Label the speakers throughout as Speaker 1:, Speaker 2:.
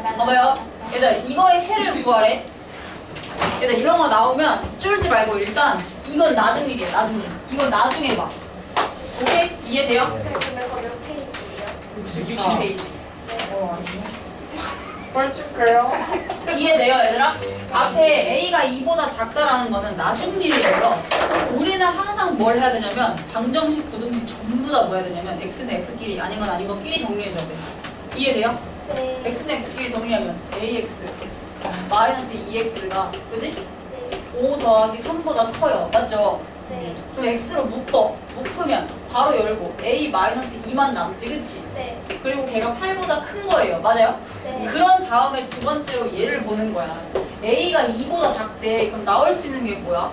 Speaker 1: 봐봐요. 얘들 이거의 해를 구하래. 얘들 이런 거 나오면 쫄지 말고 일단 이건 나중 일이야. 나중 일. 이건 나중에 봐. 오케이? 이해돼요?
Speaker 2: 근데 거몇 페이지예요?
Speaker 1: 60페이지.
Speaker 2: 벌칙해요?
Speaker 1: 이해돼요, 얘들아?
Speaker 3: 네.
Speaker 1: 앞에 A가 2보다 작다라는 거는 나중 일이에요. 우리는 항상 뭘 해야 되냐면 방정식, 부등식 전부 다 뭐 해야 되냐면 X는 X끼리, 아닌 건 아닌 것끼리 정리해줘야 돼. 이해돼요?
Speaker 2: 네.
Speaker 1: X는 X끼리 정리하면 AX 마이너스 2X가 그지?
Speaker 2: 네.
Speaker 1: 5 더하기 3보다 커요. 맞죠?
Speaker 2: 네.
Speaker 1: 그럼 X로 묶으면 바로 열고 A 마이너스 2만 남지, 그치?
Speaker 2: 네.
Speaker 1: 그리고 걔가 8보다 큰 거예요. 맞아요?
Speaker 2: 네.
Speaker 1: 그런 다음에 두 번째로 얘를 보는 거야. A가 2보다 작대. 그럼 나올 수 있는 게 뭐야?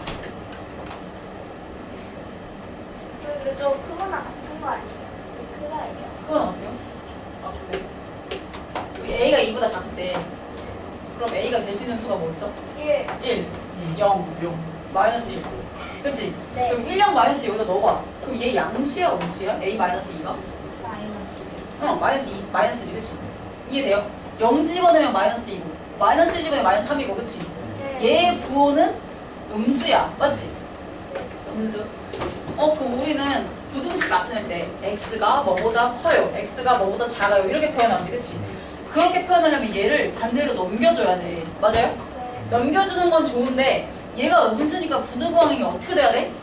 Speaker 2: 그리고 저 그거랑 같은 거 아니에요? 클라예요.
Speaker 1: 그건 어때요? 아, 그래? A가 2보다 작대. 그럼 A가 될 수 있는 수가 뭐 있어?
Speaker 2: 1.
Speaker 1: 1, 0, 마이너스 2. 그치?
Speaker 2: 네.
Speaker 1: 그럼 1, 0, 마이너스 여기다 넣어봐. 그럼 얘 양수야, 음수야? A 마이너스 2가?
Speaker 2: 마이너스.
Speaker 1: 응, 마이너스 2, 마이너스지, 그치? 이해돼요? 0 집어넣으면 마이너스 2고, 마이너스 1 집어넣으면 마이너스 3이고, 그치?
Speaker 2: 네.
Speaker 1: 얘의 부호는 음수야, 맞지? 음수. 그럼 우리는 부등식 나타낼 때 x가 뭐보다 커요, x가 뭐보다 작아요 이렇게 표현하지, 그치? 그렇게 표현하려면 얘를 반대로 넘겨줘야 돼. 맞아요?
Speaker 2: 네.
Speaker 1: 넘겨주는 건 좋은데 얘가 음수니까 부등호항이 어떻게 돼야 돼?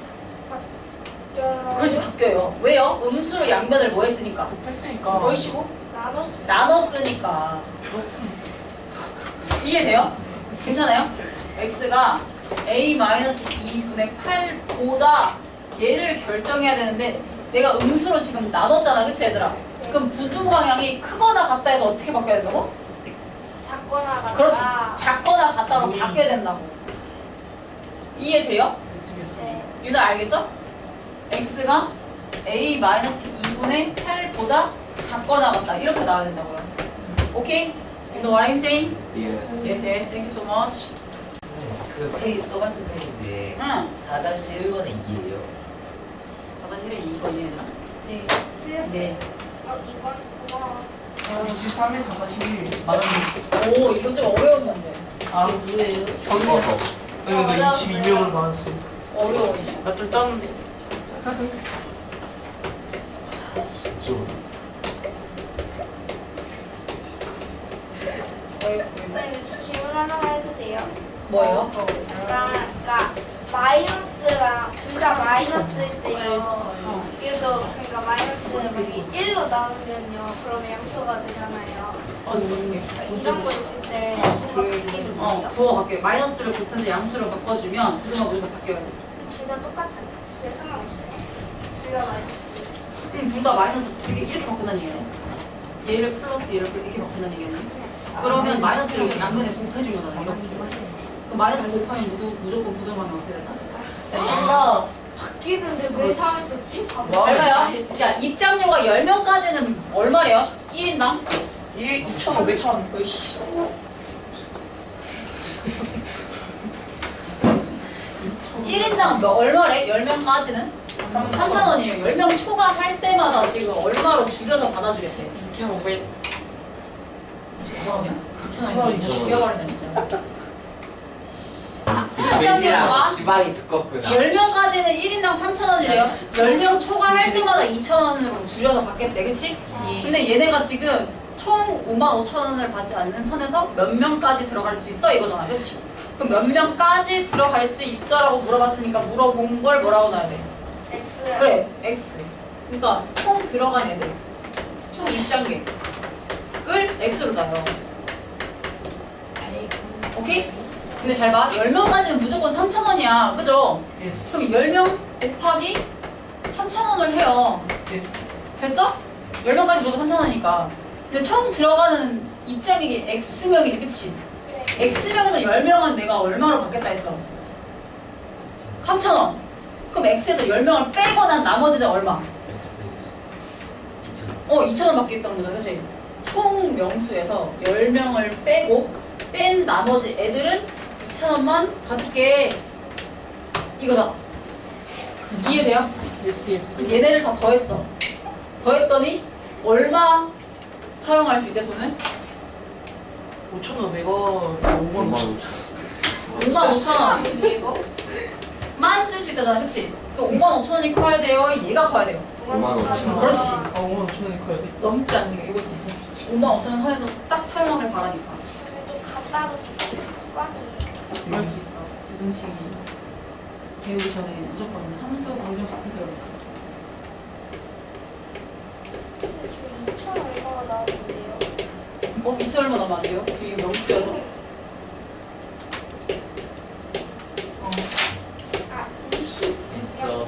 Speaker 1: 그렇지, 바뀌어요. 왜요? 음수로 양변을 뭐 했으니까?
Speaker 4: 했으니까.
Speaker 1: 뭘 쉬고?
Speaker 2: 나눴어.
Speaker 1: 나눴으니까. 이해돼요? 괜찮아요? x가 a-2분의 8보다 얘를 결정해야 되는데 내가 음수로 지금 나눴잖아, 그치 얘들아? 그럼 부등 방향이 크거나 같다 해서 어떻게 바뀌어야 된다고?
Speaker 2: 작거나 같다.
Speaker 1: 그렇지, 작거나 같다로 바뀌어야 된다고. 이해돼요?
Speaker 2: 네.
Speaker 1: 유나 알겠어? x가 a-2분의 8보다 작거나 같다 이렇게 나와야 된다고요. 오케이? You know what I'm saying? Yes, yes, thank you so much.
Speaker 3: 그 페이지 똑같은 페이지에
Speaker 1: 응.
Speaker 3: 4-1번에 2예요.
Speaker 1: 4-1에 2번이 얘들아.
Speaker 2: 네. 틀렸어요.
Speaker 1: 네.
Speaker 2: 이번 고마워.
Speaker 4: 23에 4-1.
Speaker 3: 맞았는데.
Speaker 1: 오, 이거 좀 어려운 건데.
Speaker 4: 아,
Speaker 3: 뭐예요?
Speaker 4: 거기서. 네, 나 22명으로 나왔어.
Speaker 1: 어려워지.
Speaker 4: 나좀 땄는데.
Speaker 3: 좀.
Speaker 2: 선생님, 저 질문 하나만 해도 돼요?
Speaker 1: 뭐예요?
Speaker 2: 그러니까 마이너스랑 둘 다 마이너스일 때요. 얘도 그러니까 마이너스를 만약에 1로 나누면요. 그러면 양수가 되잖아요. 이런 거 있을 때 부호가 바뀌는 거예요.
Speaker 1: 부호가 바뀌어요. 마이너스를 곱해서 양수를 바꿔주면 부등호가 무조건 바뀌어요.
Speaker 2: 둘 다 똑같은 거. 상관없어요. 둘 다 마이너스.
Speaker 1: 둘 다 마이너스 이렇게 바꾼다는 얘기네. 얘를 플러스 얘를 이렇게 바꾼다는 얘기네. 그러면 마이너스를 양면에 곱해주면 되는 이렇게. 그럼 마이너스 곱하면 무조건 부등호가 어떻게 되나?
Speaker 4: 엄마.
Speaker 2: 바뀌는데 왜 3을 썼지?
Speaker 1: 잘 봐요. 야, 입장료가 10명까지는 얼마래요? 1인당?
Speaker 4: 2,500천.
Speaker 1: 으이씨. 1인당 얼마래? 10명까지는? 3,000원이에요. 10명 초과할 때마다 지금 얼마로 줄여서 받아주겠대.
Speaker 4: 2,500.
Speaker 1: 2,000원이야? 2,000원이야? 죽여버린다 진짜.
Speaker 3: 돼지라서 지방이 두껍구나.
Speaker 1: 10명까지는 1인당 3,000원이래요. 10명 초과할 때마다 2,000원으로 줄여서 받겠대. 그치? 근데 얘네가 지금 총 55,000원을 받지 않는 선에서 몇 명까지 들어갈 수 있어? 이거잖아. 그치? 그럼 몇 명까지 들어갈 수 있어? 라고 물어봤으니까 물어본 걸 뭐라고 넣어야 돼?
Speaker 2: X.
Speaker 1: 그래, X. 그러니까 총 들어간 애들, 총 입장객을 X로 나요. 오케이? 근데 잘 봐. 10명까지는 무조건 3,000원이야. 그죠?
Speaker 4: 예스.
Speaker 1: 그럼 10명 곱하기 3,000원을 해요.
Speaker 4: 예스.
Speaker 1: 됐어? 10명까지 무조건 3,000원이니까. 근데 총 들어가는 입장객이 X명이지, 그치? X명에서 10명은 내가 얼마로 받겠다 했어? 3,000원. 그럼 X에서 10명을 빼고 난 나머지는 얼마?
Speaker 3: 2,000원.
Speaker 1: 2,000원 받겠다는 거잖아, 그치? 총 명수에서 10명을 빼고 뺀 나머지 애들은 2,000원만 받을게. 이거잖아. 이해돼요?
Speaker 4: 예스, 예스.
Speaker 1: 그래서 얘네를 다 더했어. 더했더니 얼마 사용할 수 있대, 돈을?
Speaker 4: 5,500원 5만 5천.
Speaker 1: 55,000원
Speaker 2: 이거?
Speaker 1: 만 쓸 수 있다잖아, 그치? 또 55,000원이 커야 돼요? 얘가 커야 돼요?
Speaker 3: 55,000원.
Speaker 1: 그렇지.
Speaker 4: 아 5만 5천원이 커야 돼?
Speaker 1: 넘지 않는 게 이거지. 55,000원 선에서 딱 사용하길 바라니까.
Speaker 2: 좀 갖다 놓을 수 있어요. 습관이에요.
Speaker 1: 그럴 수 있어. 부등식이 배우기 전에 무조건 함수 방정식 배워야 돼.
Speaker 2: 근데 저 2천 얼마가 나오는데요?
Speaker 1: 2천 얼마 남았요 지금 이거 명수여도?
Speaker 2: 아 20.
Speaker 3: 1.5.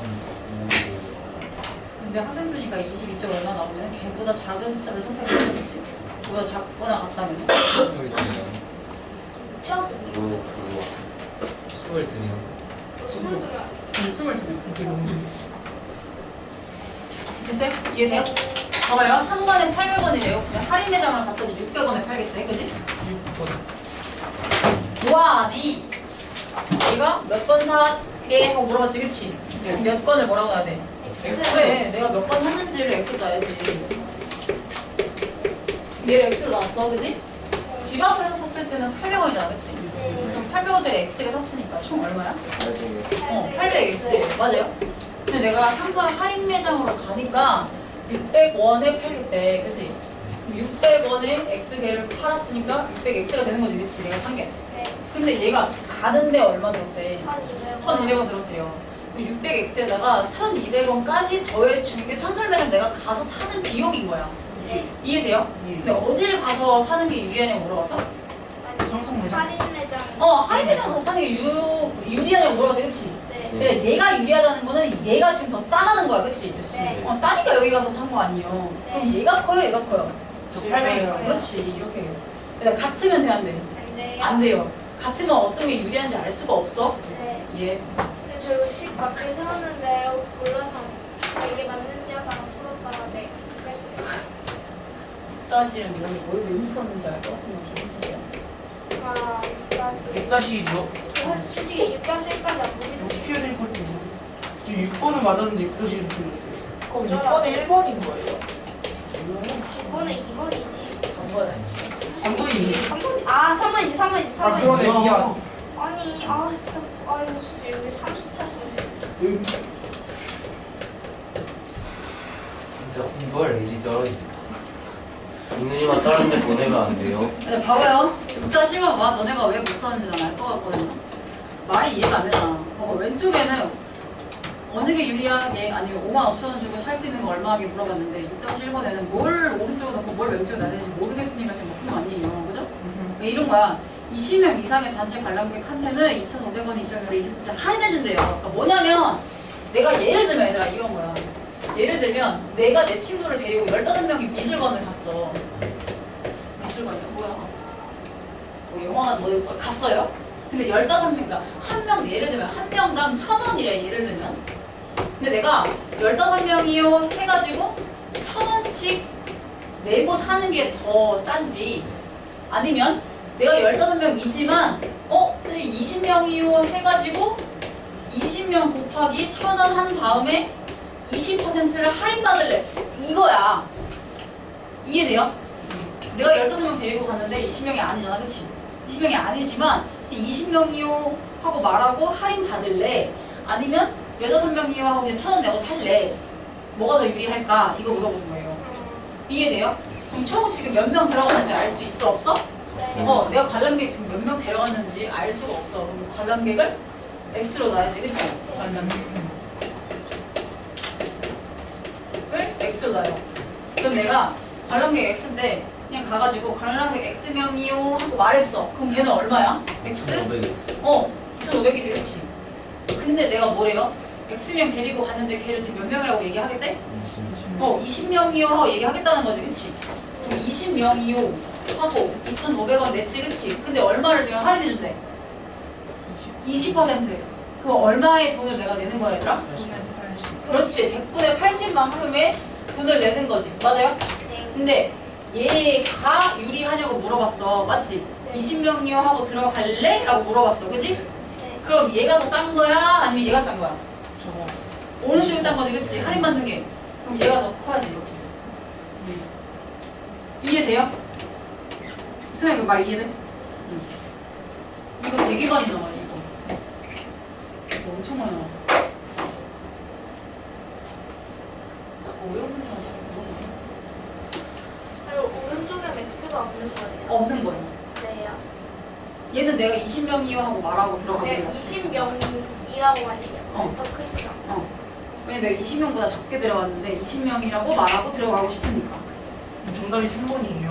Speaker 1: 근데 학생 수니까 22점 얼마 나오면 걔보다 작은 숫자를 선택해야 되겠지? 보다 작거나 같다면?
Speaker 2: 2점?
Speaker 3: 22명.
Speaker 2: 22명.
Speaker 1: 22명.
Speaker 4: 그게 너무 재밌어.
Speaker 1: 됐어요? 이해돼요? 봐봐요. 한 권에 800원이래요. 그냥 할인 매장을 갔더니 600원에 팔겠대. 그지?
Speaker 4: 6번.
Speaker 1: 보아하니 얘가 몇 건 사게 하고 물어봤지, 그치? 몇 건을 뭐라고 해야 돼? 그래, 내가 몇 건 샀는지를 X로 놔야지. 얘를 X로 놨어, 그지? 집 앞에서 샀을 때는 800원이잖아, 그치? 그럼 800원짜리 X가 샀으니까 총 얼마야? 800X예요. 맞아요? 근데 내가 항상 할인 매장으로 가니까 600원에 팔겠대, 그치? 600원에 X개를 팔았으니까 600X가 되는 거지, 그치? 내가 산 게.
Speaker 2: 네.
Speaker 1: 근데 얘가 가는데 얼마 들었대?
Speaker 2: 1200원.
Speaker 1: 1200원 들었대요. 600X에다가 1200원까지 더해준 게 상설 매장 내가 가서 사는 비용인 거야.
Speaker 2: 네.
Speaker 1: 이해돼요? 근데 어딜 가서 사는 게 유리하냐고 물어봤어?
Speaker 2: 아니,
Speaker 4: 성성 매장.
Speaker 2: 할인 매장.
Speaker 1: 할인 매장 가서 사는 게 유리하냐고 물어봤지, 그치?
Speaker 2: 네.
Speaker 1: 근데 얘가 유리하다는 거는 얘가 지금 더 싸다는 거야, 그치?
Speaker 2: 네.
Speaker 1: 싸니까 여기 가서 산 거 아니에요. 그럼 얘가 커요, 얘가 커요?
Speaker 4: 저 800원.
Speaker 1: 그렇지, 이렇게 해요. 근데 같으면 돼, 안 돼?
Speaker 2: 안 돼요.
Speaker 1: 안 돼요. 같으면 어떤 게 유리한지 알 수가 없어?
Speaker 2: 네.
Speaker 1: 예.
Speaker 2: 근데 저 이거 식 밖에 세웠는데 몰라서 이게 맞는지 하다가 풀었다가 네. 그랬어요.
Speaker 1: 사실은 왜 풀었는지 알 것 같은 건 기분 탓이야.
Speaker 2: 아, 6다시.
Speaker 4: 6다시 뭐?
Speaker 2: 솔직히 6-1까지 안 보기도
Speaker 4: 어떻게 해야 될 건지 모르겠어. 저 6번은 맞았는데 6다시를 틀렸어요.
Speaker 1: 그럼 6번에 1번인 거예요?
Speaker 2: 9번은 2번이지.
Speaker 4: 3번이
Speaker 2: 3번이. 아, 3번이지, 3번이지, 3번이지.
Speaker 4: 그러네. 미안.
Speaker 2: 아니, 아, 진짜. 아, 이거 진짜 여기 30 탓이네.
Speaker 3: 진짜 공부할 의지 떨어진다. 민우님만 다른 데 보내면 안 돼요?
Speaker 1: 근데 봐봐요. 6-1번 봐. 너네가 왜 못 풀었는지 난 알 것 같거든. 말이 이해가 안 되잖아. 봐봐. 왼쪽에는 어느 게 유리하게 아니면 55,000원 주고 살 수 있는 거 얼마하게 물어봤는데 6-1번에는 뭘 오른쪽에 넣고 뭘 왼쪽에 놔야 되는지 모르겠으니까 지금 푼 거 아니에요. 그죠? 그러니까 이런 거야. 20명 이상의 단체 관람객한테는 2,500원 입장료를 20% 할인해준대요. 그러니까 뭐냐면 내가 예를 들면 얘들아 이런 거야. 예를 들면 내가 내 친구를 데리고 15명이 미술관을 갔어. 미술관이요? 뭐야? 뭐 영화관 뭐 갔어요? 근데 15명, 그러니까 한 명, 예를 들면 한 명당 1,000원이래, 예를 들면. 근데 내가 15명이요 해가지고 1,000원씩 내고 사는 게 더 싼지 아니면 내가 15명이지만 근데 20명이요 해가지고 20명 곱하기 1,000원 한 다음에 20%를 할인받을래. 이거야. 이해돼요? 내가 15명 데리고 갔는데 20명이 아니잖아, 그치? 20명이 아니지만 20명이요 하고 말하고 할인 받을래? 아니면 15명이요 하고 그냥 1,000원 내고 살래? 뭐가 더 유리할까? 이거 물어보는 거예요. 이해돼요? 그럼 총 지금 몇 명 들어갔는지 알 수 있어? 없어?
Speaker 2: 네.
Speaker 1: 내가 관람객 지금 몇 명 데려갔는지 알 수가 없어. 그럼 관람객을 X로 놔야지, 그치? 관람객을 X로 놔요. 그럼 내가 관람객 X인데 그냥 가가지고 관람객 X명이요 하고 말했어. 그럼 걔는 얼마야? X?
Speaker 3: 500원.
Speaker 1: 2,500이지, 그치? 근데 내가 뭐래요? X명 데리고 갔는데 걔를 지금 몇 명이라고 얘기하겠대? 20명이요 하고 얘기하겠다는 거지, 그치? 그럼 20명이요 하고 2,500원 냈지, 그치? 근데 얼마를 지금 할인해준대? 20%. 그럼 얼마의 돈을 내가 내는 거야, 얘들아? 그렇지. 100분의 80만큼의 돈을 내는 거지. 맞아요?
Speaker 2: 네.
Speaker 1: 근데 얘가 유리하냐고 물어봤어. 맞지? 20명이요 하고 들어갈래? 라고 물어봤어. 그지?
Speaker 2: 네.
Speaker 1: 그럼 얘가 더 싼 거야? 아니면 얘가 싼 거야?
Speaker 4: 저거.
Speaker 1: 오른쪽이 싼 거지, 그치? 할인받는 게. 그럼 얘가 더 커야지, 이렇게. 이해돼요? 승아 이거 말 이해돼? 이거 되게 많이 나와 이거. 이거 엄청 많이 나와. 어려운 문제만 잘 물어보네.
Speaker 2: 오른쪽에 맥스가 없는 거예요.
Speaker 1: 없는 거예요.
Speaker 2: 네요.
Speaker 1: 얘는 내가 20명이요 하고 말하고 들어가게
Speaker 2: 제가
Speaker 1: 해가지고.
Speaker 2: 20명이라고 하니까
Speaker 1: 어.
Speaker 2: 더 크시죠?
Speaker 1: 왜냐면 내가 20명보다 적게 들어갔는데 20명이라고 말하고 들어가고 싶으니까.
Speaker 4: 정답이 3번이에요.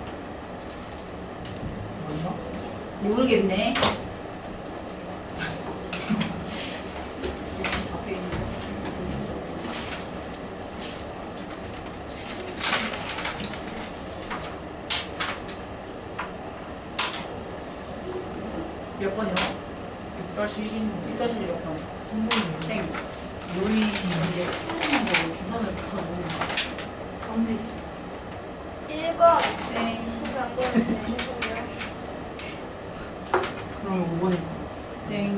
Speaker 4: 맞나?
Speaker 1: 모르겠네. 64페이지. 몇 번이요?
Speaker 4: 6-1인데
Speaker 1: 6-1이 몇 번?
Speaker 4: 3번이에요.
Speaker 1: 땡.
Speaker 4: 요리
Speaker 1: 이게 풀리는 거 계산을 못하는 거.
Speaker 2: 1번.
Speaker 1: 땡.
Speaker 2: 혹시 안 보였는데
Speaker 4: 그러면 5번이고
Speaker 1: 땡.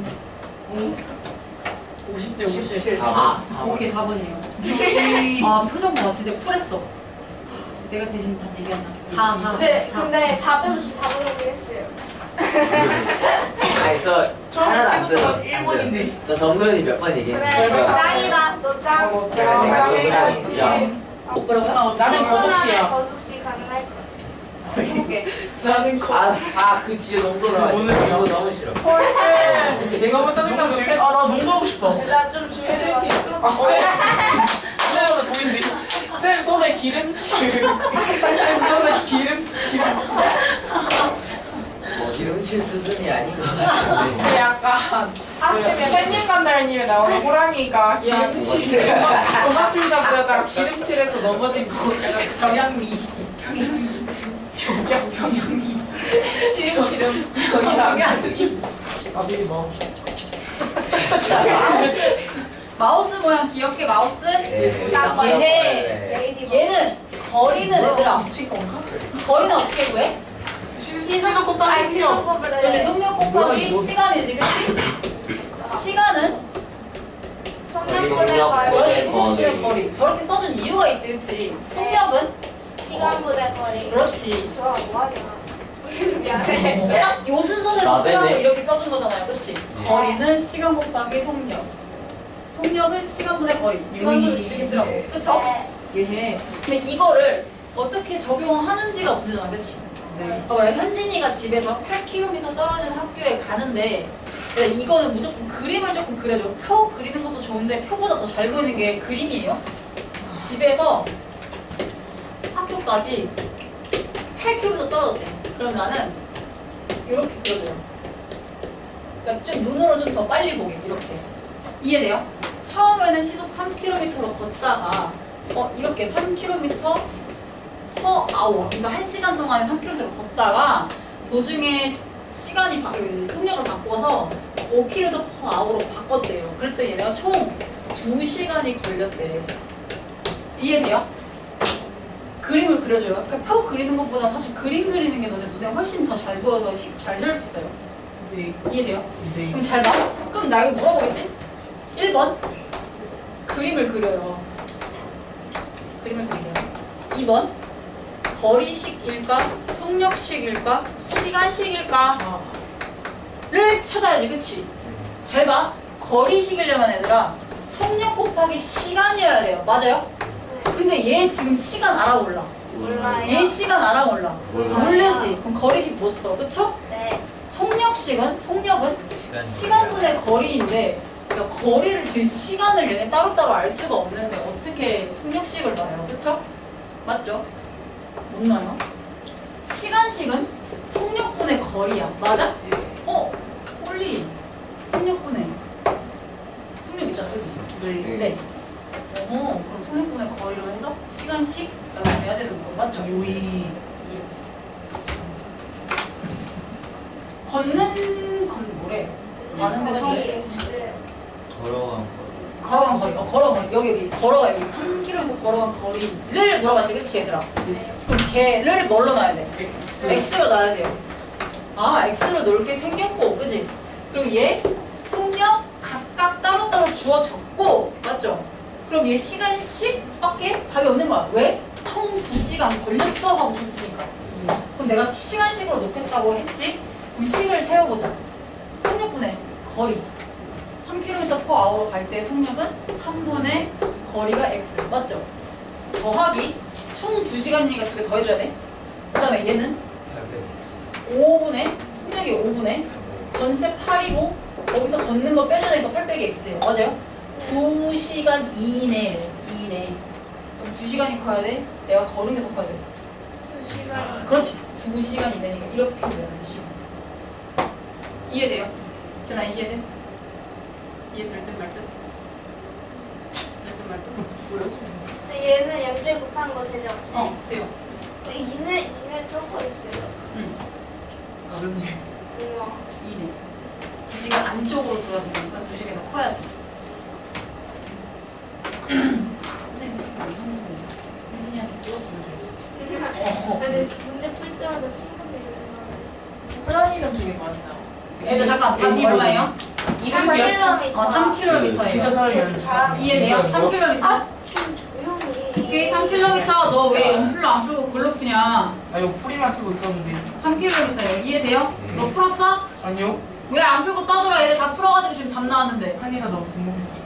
Speaker 4: 50대
Speaker 3: 17,
Speaker 4: 50.
Speaker 3: 4.
Speaker 1: 오케이 4번이에요. 아 표정 봐 진짜 쿨했어. 내가 대신 다 얘기한다. 4.
Speaker 2: 근데 4번 다 모르긴 했어요.
Speaker 3: 아니, 저 하나도 안 들어.
Speaker 4: 처음부터 1번인데.
Speaker 3: 저 정도현이 몇 번 얘기했는데.
Speaker 2: 그래, 너
Speaker 3: 제가
Speaker 2: 짱이다. 너 짱.
Speaker 3: 내가
Speaker 4: 제일
Speaker 3: 짱이지. 야.
Speaker 1: 뭐라고?
Speaker 4: 나는 거석씨야.
Speaker 2: 거숙시 가능할 거야.
Speaker 1: 해볼게.
Speaker 4: 나는 거.
Speaker 3: 그 뒤에 너무 돌아가.
Speaker 4: 오늘이요?
Speaker 3: 이거 너무 싫어.
Speaker 2: 홀스.
Speaker 4: 너무 짜증나면 아, 나 농구 하고 싶다.
Speaker 2: 나좀 조용히 봐.
Speaker 4: 아, 쌤! 보인대. 쌤 손에 기름칠. 쌤 손에 기름칠.
Speaker 3: 뭐 기름칠 수준이 아닌 것 같은데.
Speaker 4: 그 약간 팬님 간달님에 나오는 호랑이가 기름칠 도마필 잡다가 기름칠해서 넘어진 거 경양미 경양미
Speaker 1: 시름.
Speaker 4: 경양미 아 되게 마우스
Speaker 1: 마우스 모양 기억해 마우스?
Speaker 3: 네.
Speaker 2: 레이디버.
Speaker 1: 얘는 거리는 얘들아.
Speaker 4: 미친 건가?
Speaker 1: 거리는 어떻게 구해?
Speaker 4: 시선 곱하기
Speaker 2: 아니,
Speaker 4: 시력
Speaker 2: 시간법을
Speaker 1: 그렇지
Speaker 2: 해.
Speaker 1: 속력 곱하기
Speaker 3: 뭐야,
Speaker 1: 시간이지 그치? 시간은
Speaker 2: 성량분의
Speaker 1: 그렇지
Speaker 2: 거리.
Speaker 1: 속력분의 거리. 저렇게 써준 이유가 있지 그치? 속력은?
Speaker 2: 시간분의 거리.
Speaker 1: 그렇지.
Speaker 2: 좋아, 뭐하냐. 미안해.
Speaker 1: 딱 요 순서대로
Speaker 3: 나대네.
Speaker 1: 쓰라고 이렇게 써준 거잖아요 그치? 거리는 시간 곱하기 속력. 속력은 시간분의 거리. 시간분을 이렇게 쓰라고. 그쵸? 예. 근데 이거를 어떻게 적용하는지가 문제잖아, 그치?
Speaker 4: 네.
Speaker 1: 봐봐요. 현진이가 집에서 8km 떨어진 학교에 가는데 근데 이거는 무조건 그림을 조금 그려줘. 표 그리는 것도 좋은데 표보다 더 잘 그리는 게 그림이에요. 집에서 학교까지 8km 떨어졌대. 그럼 나는 이렇게 그려줘요. 그러니까 좀 눈으로 좀 더 빨리 보게 이렇게. 이해돼요? 처음에는 시속 3km로 걷다가 이렇게 3km per hour 그러니까 1시간 동안에 3km를 걷다가 도중에 시간이 속력을 바꿔서 5km per hour로 바꿨대요. 그랬더니 얘네가 총 2시간이 걸렸대. 이해돼요? 그림을 그려줘요. 그러니까 표 그리는 것보다 사실 그림 그리는 게 너네 눈에 훨씬 더 잘 보여서 잘 잘 수 있어요.
Speaker 4: 네.
Speaker 1: 이해돼요?
Speaker 4: 네.
Speaker 1: 그럼 잘 봐. 그럼 나 이거 물어보겠지? 1번 그림을 그려요. 그림을 그려요. 2번 거리식일까? 속력식일까? 시간식일까? 를 찾아야지 그치? 잘 봐. 거리식이려면 얘들아 속력 곱하기 시간이어야 돼요. 맞아요? 근데 얘 지금 시간 알아 몰라?
Speaker 2: 몰라요.
Speaker 1: 얘 시간 알아 몰라?
Speaker 3: 몰라.
Speaker 1: 모르지. 그럼 거리식 못 써. 그쵸?
Speaker 2: 네.
Speaker 1: 속력은 시간분의 거리인데 그러니까 거리를 지금 시간을 얘네 따로따로 알 수가 없는데 어떻게 속력식을 놔요? 그쵸? 맞죠? 못 놔요? 시간식은 속력분의 거리야. 맞아? 홀리 속력분의 속력 있잖아. 그치?
Speaker 4: 네.
Speaker 1: 네. 그럼 속력분의 거리로 해서 시간식 나눠야 되는 거 맞죠?
Speaker 4: 요이
Speaker 1: 걷는 건 뭐래? 가는데 처음에
Speaker 3: 걸어간
Speaker 1: 걸어간 거리. 여기 걸어가 여기 3km 걸어간 거리를 물어봤지, 그치 얘들아? 그럼 걔를 뭘로 놔야 돼? x로 놔야 돼요. x로 놓을 게 생겼고, 그치? 그리고 얘 속력 각각 따로따로 주어졌고, 맞죠? 그럼 얘 시간씩밖에 답이 없는 거야. 왜? 총 2시간 걸렸어 하고 줬으니까. 그럼 내가 시간식으로 놓겠다고 했지? 그럼 식을 세워보자. 속력분의 거리. 3km/h로 갈 때 속력은 3분의 거리가 x. 맞죠? 더하기 총 2시간이니까 2개 더해줘야 돼. 그 다음에 얘는 5분의 속력이 5분의 전체 8이고 거기서 걷는 거 빼줘야 되니까 8 빼기 x예요. 맞아요? 2시간 이내. 그럼 2시간이 커야 돼? 내가 걸은 게 더 커야 돼?
Speaker 2: 2시간.
Speaker 1: 그렇지. 2시간 이내니까 이렇게 되면서 시간. 이해돼요? 전화 이해돼? 이해될 듯 말 듯? 될 듯 말 듯?
Speaker 2: 근데 얘는 양쪽에 곱한 거 되죠?
Speaker 1: 돼요.
Speaker 2: 이는 적어 있어요.
Speaker 1: 응.
Speaker 4: 어렵네.
Speaker 2: 우와.
Speaker 1: 이내. 2시간 안쪽으로 돌아야 되니까 2시간이 더 커야지. 선생님 잠깐 현진이한테 찍어 보여줘야지.
Speaker 2: 근데 문제 풀 때마다 친구들이
Speaker 4: 호연이는 되게 많다.
Speaker 1: 얘들 잠깐 답 얼마예요?
Speaker 2: 3km.
Speaker 1: 3km예요.
Speaker 4: 진짜 사람이 아니야.
Speaker 2: 잘
Speaker 1: 이해돼요? 3km.
Speaker 2: 좀 조용히.
Speaker 1: 오케이 3km. 너 왜 연필로 안 풀고 글로 푸냐?
Speaker 4: 아 이거 풀이만 쓰고 있었는데.
Speaker 1: 3km예요. 이해돼요? 너 풀었어?
Speaker 4: 아니요.
Speaker 1: 왜 안 풀고 떠들어? 얘들 다 풀어가지고 지금 답 나왔는데.
Speaker 4: 한이가 너무 궁금했어.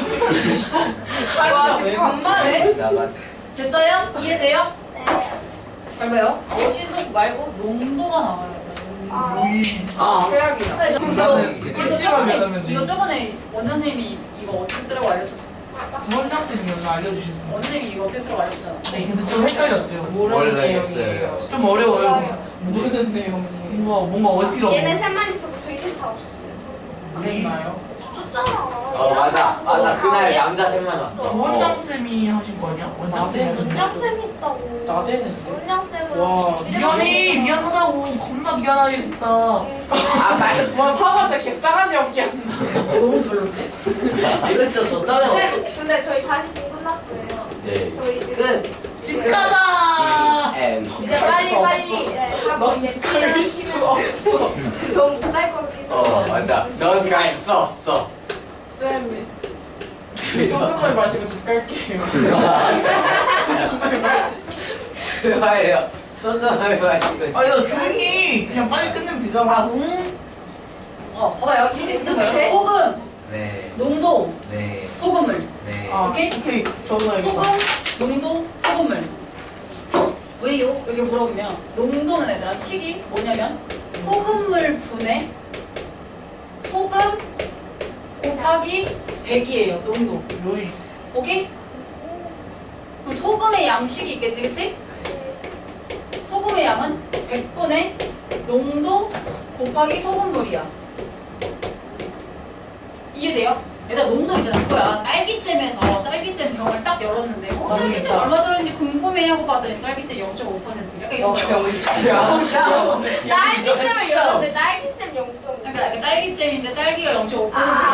Speaker 1: 와 지금 반말해?
Speaker 3: 나가.
Speaker 1: 됐어요? 이해돼요?
Speaker 2: 네.
Speaker 1: 잘 봐요. 어시속 말고 농도가 나와요.
Speaker 2: 아.
Speaker 3: 아.
Speaker 4: 최악이야.
Speaker 1: 아니,
Speaker 3: 나는
Speaker 1: 이거
Speaker 4: 찜하면
Speaker 1: 이거 저번에 원장 선생님이 이거 어떻게 쓰라고 알려줬어.
Speaker 4: 원장쌤이 여기 알려주셨습니다.
Speaker 1: 원장 선생님이 이거 어떻게 쓰라고 알려줬잖아.
Speaker 4: 네, 근데 좀 헷갈렸어요.
Speaker 3: 원래
Speaker 4: 모르는
Speaker 3: 했어요.
Speaker 4: 내용이에요. 좀 어려워요.
Speaker 2: 맞아요.
Speaker 4: 모르는 내용이에요. 뭔가 어지러워.
Speaker 2: 얘네 셋만 있었고 저희 셋 다 없었어요.
Speaker 4: 그랬나요?
Speaker 2: 없었잖아.
Speaker 3: 맞아. 그날 남자 셋만 왔어.
Speaker 4: 원장쌤이 하신 거냐? 원장쌤이 하신 거냐?
Speaker 2: 원장쌤 있다고.
Speaker 4: 나대는
Speaker 2: 원장쌤은
Speaker 4: 와 미안해 미안하다고 겁나 미안하게 됐다.
Speaker 3: 아, 빨리.
Speaker 4: 와 사과 진짜 개싸가지 없게 한다.
Speaker 1: 너무 별론데?
Speaker 3: 이거 진짜 졌다는
Speaker 2: 쌤, 근데 저희 40분 끝났어요.
Speaker 3: 네.
Speaker 2: 저희 이제
Speaker 3: 끝.
Speaker 4: 집 가자.
Speaker 2: 이제 빨리 하고 이제
Speaker 4: 그럴 수가 없어.
Speaker 2: 너무 못할 것 같긴 해.
Speaker 3: 맞아. 넌 갈 수 없어.
Speaker 4: 쌤 소금을 마시고 집 갈게요.
Speaker 3: 좋아요. 소금을 마시고.
Speaker 4: 아니 나 조용히 그냥 빨리 끝내면 되잖아.
Speaker 1: 봐봐요. 이렇게 쓰는 거예요. 소금,
Speaker 3: 네.
Speaker 1: 농도,
Speaker 3: 네.
Speaker 1: 소금물.
Speaker 3: 네.
Speaker 4: 아,
Speaker 1: 오케이?
Speaker 4: 오케이 적어놔야겠다.
Speaker 1: 소금, 농도, 소금물. 왜요? 이렇게 물어보면 농도는 얘들아 식이 뭐냐면 소금물 분의 소금 곱하기 100이에요. 농도.
Speaker 4: 요이.
Speaker 1: 오케이? 그럼 소금의 양식이 있겠지, 그치? 소금의 양은 100분의 농도 곱하기 소금물이야. 이해돼요? 얘들아 농도 있잖아. 그거야. 딸기잼에서 딸기잼 병을 딱 열었는데 딸기잼
Speaker 4: 맛있겠다.
Speaker 1: 얼마 들었는지 궁금해 하고 봤더니 딸기잼 0.5% 약간 이런 거.
Speaker 2: 딸기잼을 열었는데 딸기잼 0.5.
Speaker 1: 그러니까 딸기잼인데 딸기가 0.5%.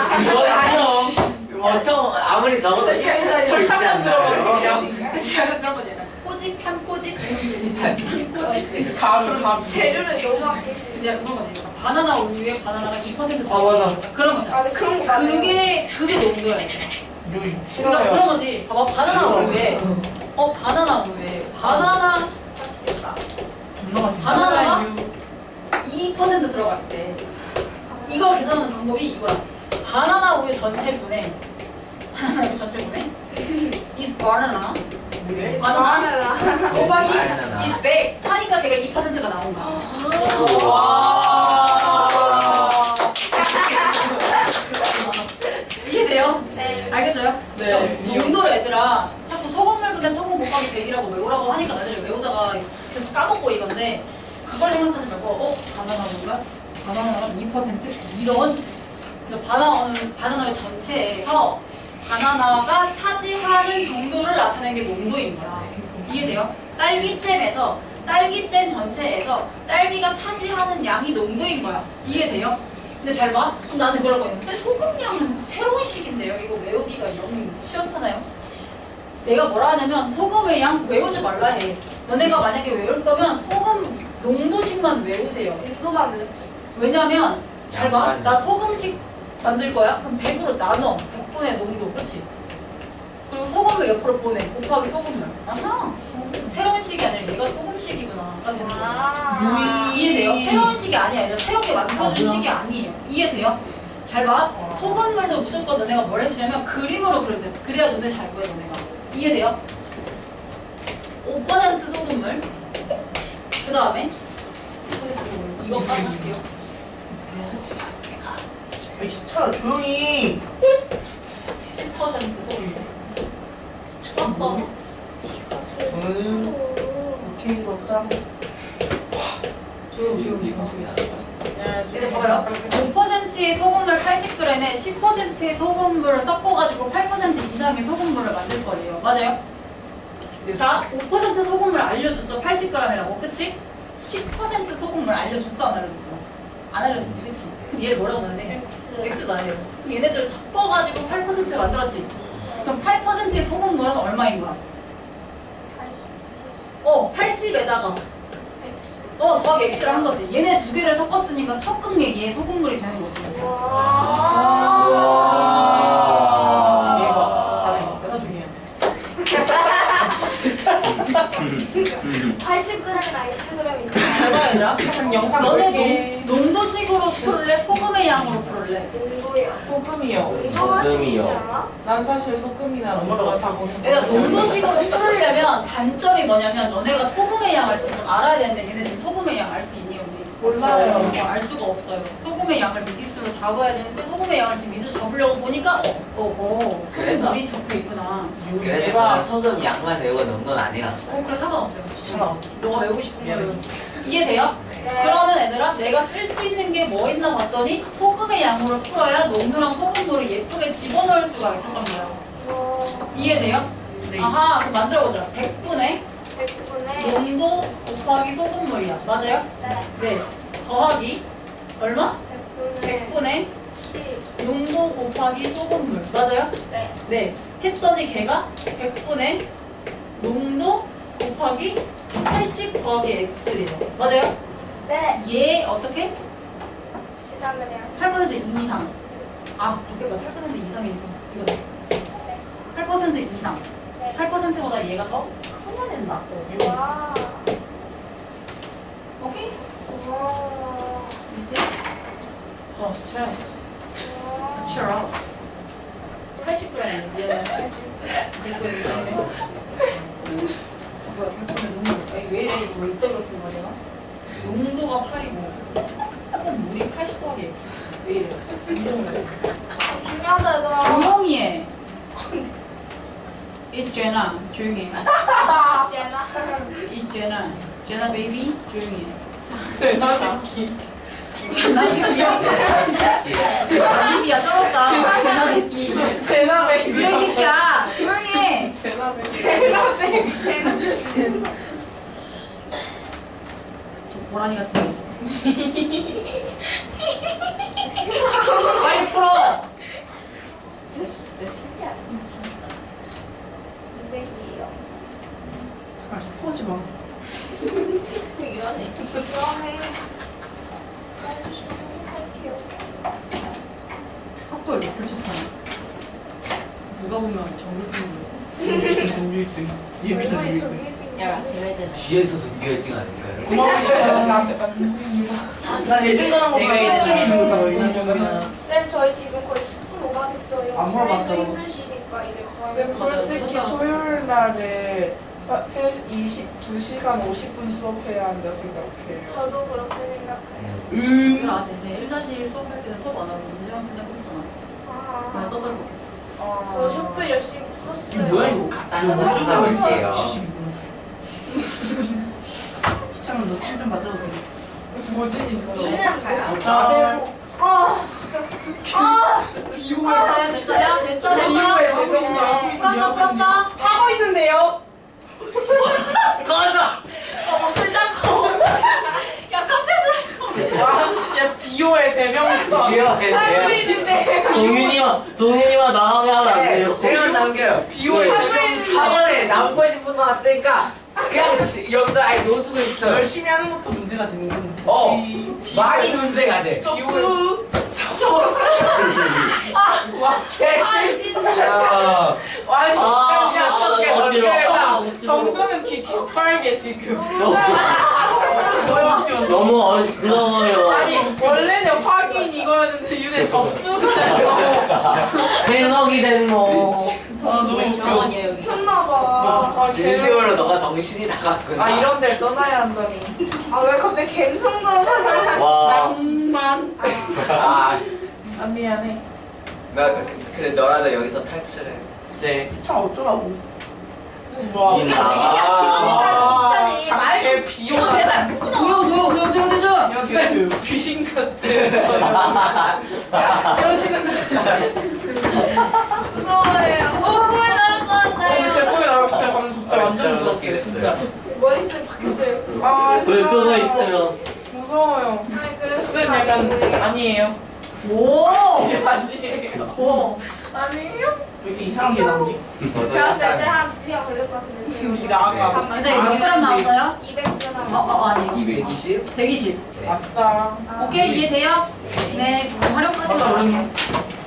Speaker 3: 보통 아무리 적어도 1살이 있지
Speaker 4: 설탕만 들어가는
Speaker 3: 않나요?
Speaker 1: 그치 약간 그런 거지. 약간 꼬집 한 꼬집 한 꼬집.
Speaker 4: 감.
Speaker 2: 재료를 너무 아끼시는.
Speaker 1: 이제 약간 그런 거지. 바나나 우유에 바나나가 2%
Speaker 4: 아, 맞아.
Speaker 1: 그런 거잖아.
Speaker 2: 아, 근데 그런 거 맞아요.
Speaker 1: 그게 농도야. 이거.
Speaker 4: 요이.
Speaker 1: 그러니까 그런 거지. 봐봐 바나나 우유에 바나나 우유에 바나나
Speaker 2: 맛있겠다.
Speaker 1: 바나나가 2% 들어갈 때 이걸 계산하는 방법이 이거야. 바나나 우유 전체 분해 바나나 우유 전체 분해 is banana
Speaker 4: 뭐게?
Speaker 1: 바나나 곱하기
Speaker 3: 바나나.
Speaker 1: is 100 하니까 걔가 2%가 나온 거야. 이해돼요?
Speaker 2: 네.
Speaker 1: 알겠어요?
Speaker 4: 네.
Speaker 1: 농도를 얘들아 자꾸 소금물 분해 소금 곱하기 100이라고 외우라고 하니까 나중에 외우다가 계속 까먹고 이건데 그걸 생각하지 말고 바나나 우유가 바나나가 2% 이런 그래서 바나나의 전체에서 바나나가 차지하는 정도를 나타내는 게 농도인 거야. 이해돼요? 딸기잼에서 딸기잼 전체에서 딸기가 차지하는 양이 농도인 거야. 이해돼요? 근데 잘 봐. 그럼 나는 그럴 거예요. 근데 소금량은 새로운 식인데요. 이거 외우기가 영 시원찮아요. 내가 뭐라 하냐면 소금의 양 외우지 말라 해. 너네가 만약에 외울 거면 소금 농도식만 외우세요.
Speaker 2: 농도만 외웠어요.
Speaker 1: 왜냐면 잘 봐.
Speaker 3: 양만
Speaker 1: 나 소금식 만들 거야? 그럼 100으로 나눠. 100분의 농도. 그치? 그리고 소금을 옆으로 보내. 곱하기 소금물. 아하. 새로운 식이 아니라 얘가 소금식이구나가 되는 거예요.
Speaker 2: 아.
Speaker 1: 이해돼요? 새로운 식이 아니라 새롭게 만들어준 식이 아니에요. 이해돼요? 잘 봐. 소금물도 무조건 너네가 뭘 해주냐면 그림으로 그려줘요. 그래야 눈에 잘 보여 너네가. 이해돼요? 5% 소금물. 그 다음에 이거 빠질게요.
Speaker 4: 아이씨 차라 조용히
Speaker 1: 10% 소금물. 섞어서.
Speaker 4: 저는 오케이 넣자
Speaker 1: 조용. 얘네 봐봐요. 5%의 소금물 80g에 10%의 소금물을 섞어가지고 8% 이상의 소금물을 만들 거래요. 맞아요? 자, 5% 소금물 알려줬어. 80g이라고. 그치? 10% 소금물 알려줬어? 안 알려줬어? 안 알려줬지. 그치? 그럼 얘를 뭐라고 넣는데? X를 넣어야 돼요. 그럼 얘네들 섞어가지고 8% 만들었지? 그럼 8%의 소금물은 얼마인 거야? 80에다가 더하기 X를 한 거지. 얘네 두 개를 섞었으니까 섞은 게 얘 소금물이 되는 거지. 대박. 다행이다. 중요해.
Speaker 2: 80g이나 Xg이잖아.
Speaker 1: 잘 봐, 얘들아.
Speaker 4: 그럼 영상
Speaker 1: 너네
Speaker 4: 볼게
Speaker 1: 농도식으로 풀을래? 소금의 양으로 풀을래?
Speaker 2: 농도요.
Speaker 5: 소금이요.
Speaker 2: 농도가
Speaker 3: 소금이요.
Speaker 2: 쉽지 않아?
Speaker 5: 난 사실 소금이나 농도가 다 거기서
Speaker 1: 얘들아,
Speaker 5: 먹지 않는데.
Speaker 1: 농도식으로 풀으려면 단점이 뭐냐면 너네가 소금의 양을 지금 알아야 되는데 얘네 지금 소금의 양 알 수 있니, 언니?
Speaker 5: 몰라요.
Speaker 1: 알 수가 없어요. 소금의 양을 미지수로 잡아야 되는데 소금의 양을 지금 미지수 잡으려고 보니까
Speaker 3: 그래서?
Speaker 1: 소금물이 적혀 있구나.
Speaker 3: 그래서 저는 소금 양만 외우고 농도는 안 해놨어요.
Speaker 1: 그래 상관없어요.
Speaker 4: 귀찮아
Speaker 1: 너가 외우고 싶은 거예요. 이해돼요?
Speaker 2: 네.
Speaker 1: 그러면 얘들아 내가 쓸 수 있는 게 뭐 있나 봤더니 소금의 양으로 풀어야 농도랑 소금물을 예쁘게 집어넣을 수가 있었던 거예요. 이해돼요?
Speaker 4: 네.
Speaker 1: 아하 그럼 만들어보자. 100분의
Speaker 2: 100분의
Speaker 1: 농도 곱하기 소금물이야. 맞아요? 네. 더하기 얼마? 100분의
Speaker 2: 10.
Speaker 1: 농도 곱하기 소금물. 맞아요?
Speaker 2: 네.
Speaker 1: 네. 했더니 걔가 100분의 농도 곱하기 80 더하기 x래요. 맞아요?
Speaker 2: 네.
Speaker 1: 얘 어떻게?
Speaker 2: 계산을 해요.
Speaker 1: 8% 이상. 아, 바뀌었다. 8% 이상이 이거네. 8% 이상. 8%보다 얘가 더 커야 된다.
Speaker 2: 와.
Speaker 1: 오케이?
Speaker 2: 와.
Speaker 1: This is
Speaker 5: 아 스트레스.
Speaker 1: natural. 80g이네. 얘는 80. 뭐야, 100분의 농도. 아니, 왜 이래? 이거 왜 이따위로 쓴 거야, 내가? 농도가 8이고, 물이 80 더하기 x. 왜 이래?
Speaker 2: 중요하다 얘들아.
Speaker 1: 조용히 해. It's Jenna. 조용히 해.
Speaker 2: 제나.
Speaker 1: It's Jenna. Jenna baby. 조용히 해.
Speaker 5: 제나 새끼.
Speaker 1: Jenna 새끼야. 입이야 쩔었다. Jenna 새끼.
Speaker 5: 제나 베이비.
Speaker 1: 그래 이 새끼야. 조용히 해.
Speaker 5: 제나 베이비.
Speaker 2: 제나 베이비 제나.
Speaker 1: 저 고라니 같은 거. 빨리 풀어.
Speaker 2: 진짜 신기하다. 200이에요.
Speaker 4: 아 스포하지 마
Speaker 1: 이러네.
Speaker 2: 그러면 해주시면 할게요.
Speaker 1: 학교를 불쳤다니. 누가 보면 정글 피는 거지.
Speaker 4: 정규 1등 예비전
Speaker 2: 얼굴이
Speaker 4: 1등
Speaker 2: 저기
Speaker 1: 야, 지금
Speaker 3: 뒤에서 전교 1등 아닌가요?
Speaker 4: 나 예전 가는
Speaker 1: 제가
Speaker 4: 거보다
Speaker 1: 이제
Speaker 4: 좀 있는 거다
Speaker 2: 쌤 저희 지금 거의 10분 오버됐어요.
Speaker 4: 안 물어봤어.
Speaker 2: 선생님도 힘드시니까 이제
Speaker 5: 쌤
Speaker 2: 거의.
Speaker 5: 솔직히 토요일 날에 2시간 50분 수업해야 한다 생각해요.
Speaker 2: 저도 그렇게 생각해요.
Speaker 1: 나한테 1-1 수업할 때는 수업 안 하고 문제만 풀려고 했잖아. 그냥
Speaker 2: 아,
Speaker 1: 떠들고겠어.
Speaker 2: 저 슈플 열심히
Speaker 4: 이게
Speaker 2: 풀었어요.
Speaker 4: 뭐야 이거
Speaker 3: 다른 거 찾아볼게요.
Speaker 4: 72분 시청은 너 침 좀 맞아도 돼
Speaker 5: 뭐지 진짜.
Speaker 2: 이는
Speaker 4: 자
Speaker 2: 아, 진짜.
Speaker 1: 됐어요? 됐어요? 됐어?
Speaker 4: 이후에
Speaker 1: 됐어?
Speaker 4: 대명사
Speaker 1: 풀었어? 풀었어?
Speaker 4: 하고 있는데요
Speaker 3: 꺼져!
Speaker 1: 목소리 작고. 야, 깜짝 놀랐어.
Speaker 5: 야 비오의 대명사.
Speaker 2: 하고 있는데.
Speaker 3: 동윤이만 나가면 안 돼요. 대면 남겨요.
Speaker 5: 비오의 대명사.
Speaker 3: 학원에 남고 싶은 거 같으니까 그냥 여기서 아예 노숙을 시켜요.
Speaker 4: 열심히 하는 것도 문제가 되는 건
Speaker 3: 많이 문제가 돼.
Speaker 4: 접수
Speaker 5: 와
Speaker 3: 야.
Speaker 5: 아니
Speaker 3: 아,
Speaker 5: 진짜
Speaker 3: 나
Speaker 5: 정도는
Speaker 3: 어지러워.
Speaker 5: 정도는 기키. 빨개 지금.
Speaker 3: 너무 어지러워요.
Speaker 5: 아니 원래는 확인 이거였는데 유대 접수가
Speaker 3: 해석이 된 뭐.
Speaker 4: 너무 웃겨.
Speaker 1: 병원이에요 여기.
Speaker 2: 미쳤나봐.
Speaker 5: 아,
Speaker 3: 진심으로 너가 정신이 나갔구나.
Speaker 5: 아 이런 데를 떠나야 한다니.
Speaker 2: 아 왜 갑자기 갬성가만?
Speaker 3: 와.
Speaker 5: 낭만.
Speaker 3: 아,
Speaker 5: 아 미안해.
Speaker 3: 그래 너라도 여기서 탈출해. 네.
Speaker 4: 차 어쩌라고.
Speaker 5: 와.
Speaker 2: 그러니까 진짜지. 말
Speaker 5: 개 비용.
Speaker 1: 조용.
Speaker 4: 야 개그.
Speaker 5: 귀신 같아. 이러시는 거지.
Speaker 2: 무서워요. 꿈에 나올 것 같아요.
Speaker 5: 제 꿈에 나올 진짜 방금 진짜 완전
Speaker 3: 진짜
Speaker 5: 무섭게
Speaker 3: 무섭게
Speaker 5: 진짜.
Speaker 2: 머릿속이 바뀌었어요.
Speaker 5: 아
Speaker 3: 불 끄고 있으면.
Speaker 5: 무서워요.
Speaker 2: 아니 그래서
Speaker 5: 쌤 약간 아니에요.
Speaker 1: 오.
Speaker 5: 아니에요.
Speaker 1: 오.
Speaker 5: 아니에요?
Speaker 4: 왜 이렇게 이상한 게 나오지?
Speaker 2: 제가 봤을 때 이제 한 2시간 걸릴 것 같은데.
Speaker 5: 니 나가.
Speaker 1: 근데 몇 그램 나왔어요?
Speaker 2: 200g.
Speaker 1: 아니요.
Speaker 3: 220?
Speaker 1: 120.
Speaker 5: 아싸.
Speaker 1: 오케이 이해돼요? 네. 활용까지
Speaker 4: 맞다,
Speaker 1: 할게요.